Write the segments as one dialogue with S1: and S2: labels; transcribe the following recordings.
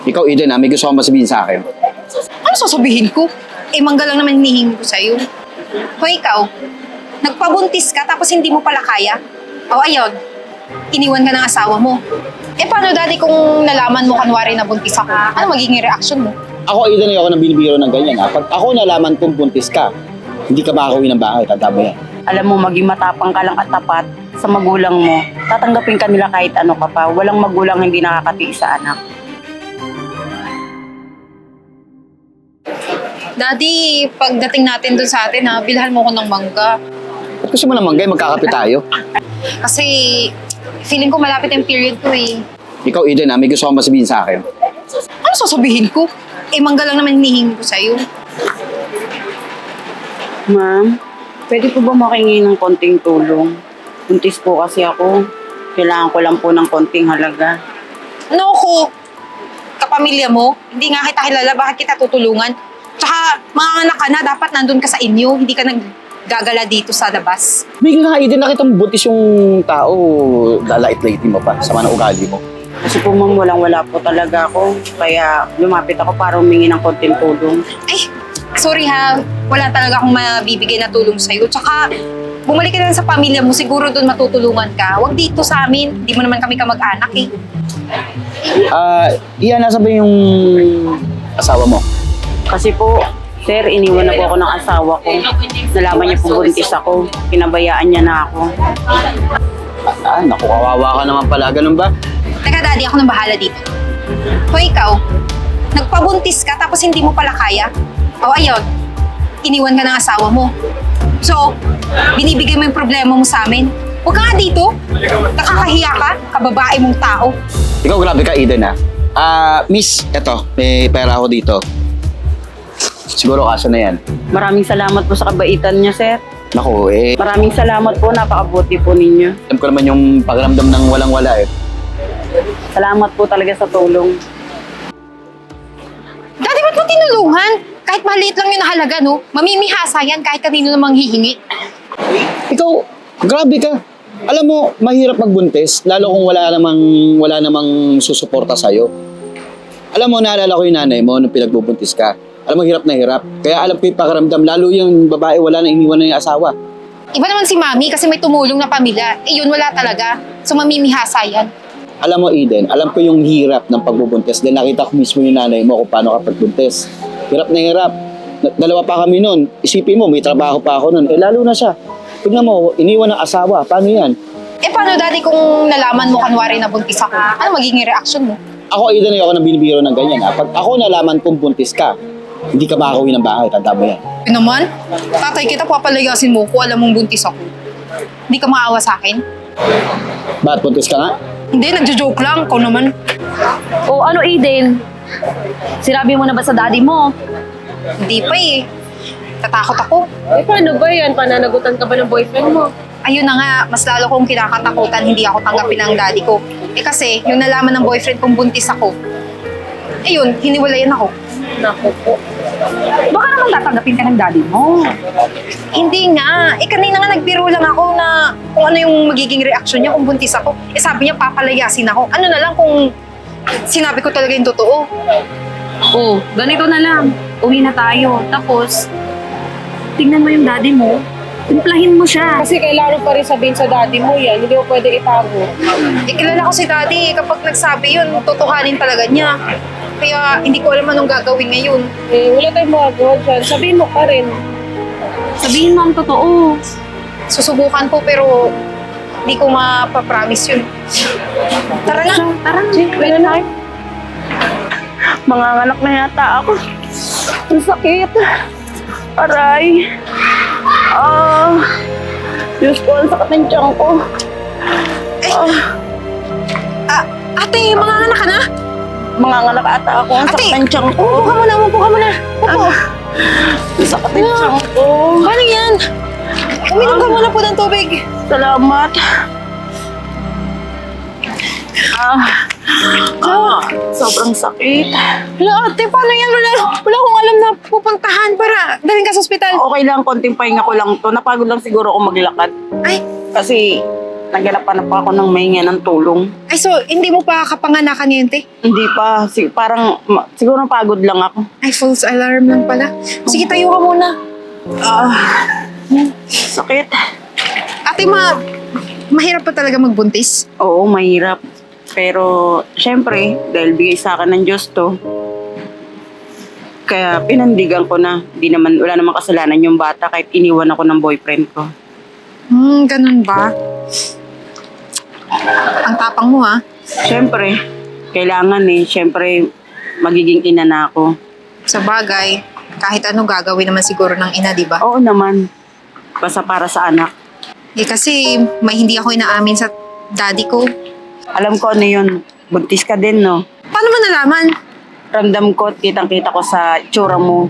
S1: Ikaw, Eden, may gusto kong masabihin sa akin.
S2: Ano sasabihin ko? Eh, mangga lang naman hinihingi ko sa'yo. Hoy, ikaw, nagpabuntis ka tapos hindi mo pala kaya? O ayun, iniwan ka ng asawa mo. Eh, paano daddy kung nalaman mo kanwari na buntis ako? Ano magiging reaction mo?
S1: Ako, Eden, ayoko nang binibiro ng ganyan. Pag ako nalaman kong buntis ka, hindi ka makakauwi ng bahay. Tanda mo yan.
S3: Alam mo, maging matapang ka lang at tapat sa magulang mo. Tatanggapin ka nila kahit ano ka pa. Walang magulang hindi nakakatiis sa anak.
S2: Daddy, pagdating natin dun sa atin ha, bilhan mo ko ng mangga.
S1: Ba't gusto mo naman, Gay? Magkakapit tayo.
S2: Kasi feeling ko malapit yung period ko eh.
S1: Ikaw, Eden, may gusto kong masabihin sa akin.
S2: Ano sasabihin ko? Eh, mangga lang naman hinihingi ko sa'yo.
S3: Ma'am, pwede po ba makingi ng konting tulong? Buntis po kasi ako. Kailangan ko lang po ng konting halaga.
S2: Ano ko? Kapamilya mo? Hindi nga kita kilala, bakit kita tutulungan? Tsaka, mga anak ka na, dapat nandun ka sa inyo, hindi ka naggagala dito sa labas.
S1: Bigla nga, Eden, nakita mo buntis yung tao. Lalait-laitin mo pa. Sama ng ugali mo.
S3: Kasi po ma'am, walang-wala po talaga ako. Kaya lumapit ako para humingi ng konting tulong.
S2: Ay, sorry ha, wala talaga akong mabibigay na tulong sa'yo. Tsaka, bumalik ka na sa pamilya mo, siguro doon matutulungan ka. Huwag dito sa amin, di mo naman kami kamag-anak eh.
S1: Iyan, nasa ba yung asawa mo?
S3: Kasi po, sir, iniwan na po ako ng asawa ko. Nalaman niya po buntis ako. Pinabayaan niya na ako.
S1: Naku, kawawa ka naman pala. Ganun ba?
S2: Teka daddy, ako nang bahala dito. Hoy ikaw, nagpabuntis ka tapos hindi mo pala kaya? O ayun, iniwan ka ng asawa mo. So, binibigay mo yung problema mo sa amin. Huwag ka nga dito. Nakakahiya ka, kababae mong tao.
S1: Ikaw, grabe ka, Eden, miss, eto, may pera ako dito. Siguro kaso na yan.
S3: Maraming salamat po sa kabaitan niya, sir.
S1: Naku,
S3: Maraming salamat po, napakabuti po ninyo.
S1: alam ko naman yung pakiramdam ng walang-wala
S3: Salamat po talaga sa tulong.
S2: Daddy, ba't mo tinulungan? Kahit maliit lang yung nahalaga, no? Mamimihasa yan kahit kanino namang hihingi.
S1: Ikaw, grabe ka. Alam mo, mahirap magbuntis, lalo kung wala namang susuporta sa'yo. Alam mo, naalala ko yung nanay mo nung pinagbubuntis ka. Alam mo, hirap na hirap. Kaya alam ko yung pakiramdam, lalo yung babae wala na iniwan na yung asawa.
S2: Iba naman si Mami kasi may tumulong na pamilya. Eh yun, wala talaga. So mamimihasa yan.
S1: Alam mo, Eden, alam ko yung hirap ng pagbubuntis dahil nakita ko mismo yung nanay mo kung paano ka pagbuntis. Hirap na hirap. Dalawa pa kami nun. Isipin mo, may trabaho pa ako nun. Lalo na siya. Tignan mo, iniwan ng asawa. Paano yan?
S2: Eh paano daddy kung nalaman mo kanwari na buntis ako? Ano magiging reaction mo?
S1: Ako, Eden, ayoko nang binibiro ng ganyan. Pag ako nalaman kong buntis ka, hindi ka makakauwi ng bahay. Tanda mo yan.
S2: Yun naman, tatay kita papalayasin mo kung alam mong buntis ako. Hindi ka maawa sa akin?
S1: Ba't buntis ka nga?
S2: Hindi, nagjo-joke lang. Ikaw naman.
S4: O ano, Aiden? Sinabi mo na ba sa daddy mo?
S2: Hindi pa eh. Tatakot ako.
S5: Eh, paano ba yan? Pananagutan ka ba ng boyfriend mo?
S2: Ayun na nga, mas lalo kong kinakatakutan hindi ako tanggapin ng daddy ko. Eh kasi, yung nalaman ng boyfriend kong buntis ako, ayun, hiniwalayan ako.
S5: Naku po.
S4: Baka naman tatanggapin ka ng daddy mo.
S2: Hindi nga. Eh kanina nga nagbiro lang ako na kung ano yung magiging reaksyon niya kung buntis ako. Eh sabi niya papalayasin ako. Ano na lang kung sinabi ko talaga yung totoo.
S4: O, ganito na lang. Uwi na tayo. Tapos, tingnan mo yung daddy mo. Timplahin mo siya.
S5: Kasi kailangan pa rin sabihin sa daddy mo yan. Hindi mo pwede itago.
S2: Eh kilala ko si daddy. Kapag nagsabi yun, totohanin talaga niya. Kaya hindi ko alam anong gagawin ngayon.
S5: Eh, wala tayong magagawa dyan. Sabihin mo pa rin.
S4: Sabihin mo ang totoo.
S2: Susubukan ko pero hindi ko mapapromise yun. Tara na.
S4: Tara na.
S5: Pwede na.
S3: Manganganak na yata ako. Ang sakit. Aray. Diyos ko, ang sakit ng tiyan ko.
S2: Ate, mga anak ka na?
S3: Manganganak ata ako. Ang sakit ng tiyan ko.
S2: Upo ka muna, upo ka muna. Upo.
S3: Ang sakit ng tiyan ko.
S2: Paano yan? Uminom ka muna po ng tubig.
S3: Salamat. Sobrang sakit.
S2: Hala, ate, paano yan? Wala akong alam na pupuntahan para dalhin ka sa ospital.
S3: Okay lang, konting pahinga ko lang to. Napagod lang siguro ako maglakad.
S2: Ay,
S3: Kasi naghanap ako ng mahinga ng tulong.
S2: Ay, so, hindi mo pa kapanganakan yun, te?
S3: Hindi pa. Parang siguro pagod lang ako.
S2: Ay, false alarm lang pala. Sige, tayo ka muna.
S3: Sakit.
S2: Ate, mahirap pa talaga magbuntis.
S3: Oo, mahirap. Pero, syempre, dahil bigay sa akin ng Diyos to, kaya pinandigan ko na. Wala namang kasalanan yung bata kahit iniwan ako ng boyfriend ko.
S2: Ganun ba? Ang tapang mo, ha?
S3: Syempre, kailangan syempre, magiging ina na ako.
S2: Sa bagay, kahit ano gagawin naman siguro ng ina, di ba?
S3: Oo naman. Basta para sa anak.
S2: Kasi may hindi ako inaamin sa daddy ko.
S3: Alam ko ano yun. Buntis ka din, no?
S2: Paano mo nalaman?
S3: Ramdam ko at kitang-kita ko sa itsura mo.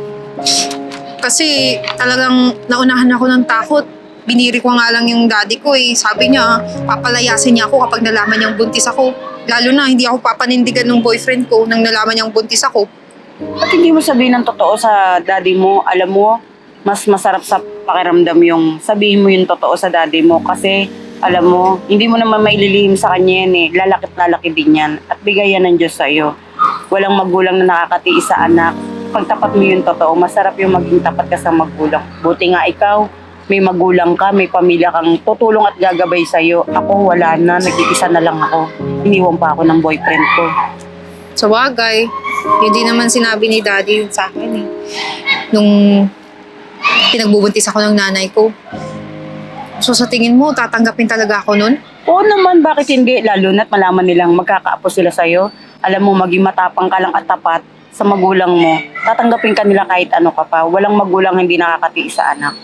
S2: Kasi talagang naunahan ako ng takot. Biniri ko nga lang yung daddy ko eh. Sabi niya, papalayasin niya ako kapag nalaman niyang buntis ako. Lalo na, hindi ako papanindigan ng boyfriend ko nang nalaman niyang buntis ako.
S3: At hindi mo sabihin ng totoo sa daddy mo, alam mo, mas masarap sa pakiramdam yung sabihin mo yung totoo sa daddy mo kasi alam mo, hindi mo naman maililihim sa kanya yan eh. Lalakit din yan. At bigay yan ng Diyos sa'yo. Walang magulang na nakakatiis sa anak. Pag tapat mo yung totoo, masarap yung maging tapat ka sa magulang. Buti nga ikaw, may magulang ka, may pamilya kang tutulong at gagabay sa'yo. Ako wala na, nag-iisa na lang ako. Iniwan pa ako ng boyfriend ko.
S2: Sa bagay, yun din naman sinabi ni daddy sa akin eh. Nung pinagbubuntis ako ng nanay ko. So sa tingin mo, tatanggapin talaga ako nun?
S3: Oo naman, bakit hindi? Lalo na't malaman nilang magkakaapo sila sa'yo. Alam mo, maging matapang ka lang at tapat sa magulang mo. Tatanggapin ka nila kahit ano ka pa. Walang magulang hindi nakakatiis sa anak.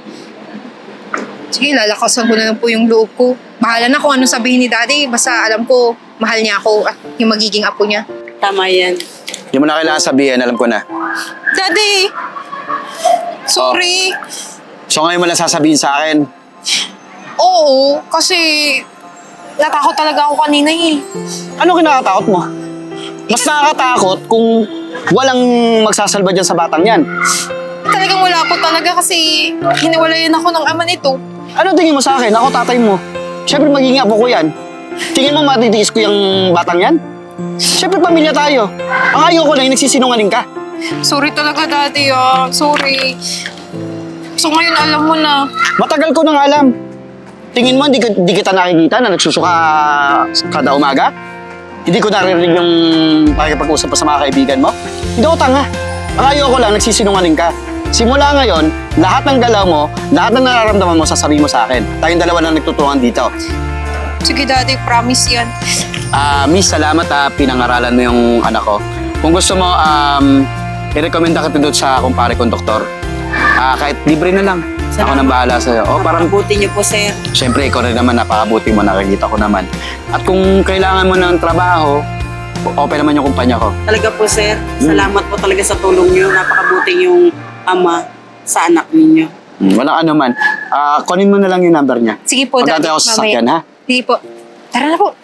S2: Sige, lalakasan ko na lang po yung loob ko. Bahala na kung ano sabihin ni daddy. Basta alam ko, mahal niya ako at yung magiging apo niya.
S3: Tama yan.
S1: Hindi mo na kailangan sabihin, alam ko na.
S2: Daddy! Sorry!
S1: So ngayon mo lang sasabihin sa akin,
S2: Oo, kasi natakot talaga ako kanina eh.
S1: ano kinakatakot mo? Mas nakakatakot kung walang magsasalba dyan sa batang yan.
S2: Talagang wala po talaga kasi hiniwalayan ako ng ama nito.
S1: Ano tingin mo sa akin? Ako tatay mo. Siyempre magiging apo ko yan. Tingin mo matitiis ko yung batang yan? Siyempre pamilya tayo. Ang ayaw ko lang yung nagsisinungaling ka.
S2: Sorry talaga, daddy ah. Sorry. So ngayon alam mo na.
S1: Matagal ko nang alam. Tingin mo, di kita nakikita na nagsusuka kada umaga? Hindi ko naririnig yung pakikipag-usap pa sa mga kaibigan mo? Hindi ako tanga. Ang ayaw ko lang, nagsisinungaling ka. Simula ngayon, lahat ng galaw mo, lahat ng nararamdaman mo, sasabihin mo sa akin. Tayong dalawa lang nagtuturuan dito.
S2: Sige, daddy, promise yan.
S1: Miss, salamat pinangaralan mo yung anak ko. Kung gusto mo, i-recommenda kita doon sa kumpare kong doktor. Kahit libre na lang. Ako nang bahala sa'yo. Parang
S3: Mabuti niyo po, sir.
S1: siyempre, ikaw rin naman, napakabuti mo, nakikita ko naman. At kung kailangan mo ng trabaho, open naman yung kumpanya ko.
S3: Talaga po, sir. Salamat po talaga sa tulong niyo. Napakabuti yung ama sa anak ninyo.
S1: Walang ano man. Kunin mo na lang yung number niya.
S2: Sige po, daddy.
S1: Magdadala ako sa sasakyan, ha?
S2: Sige po. Tara na po.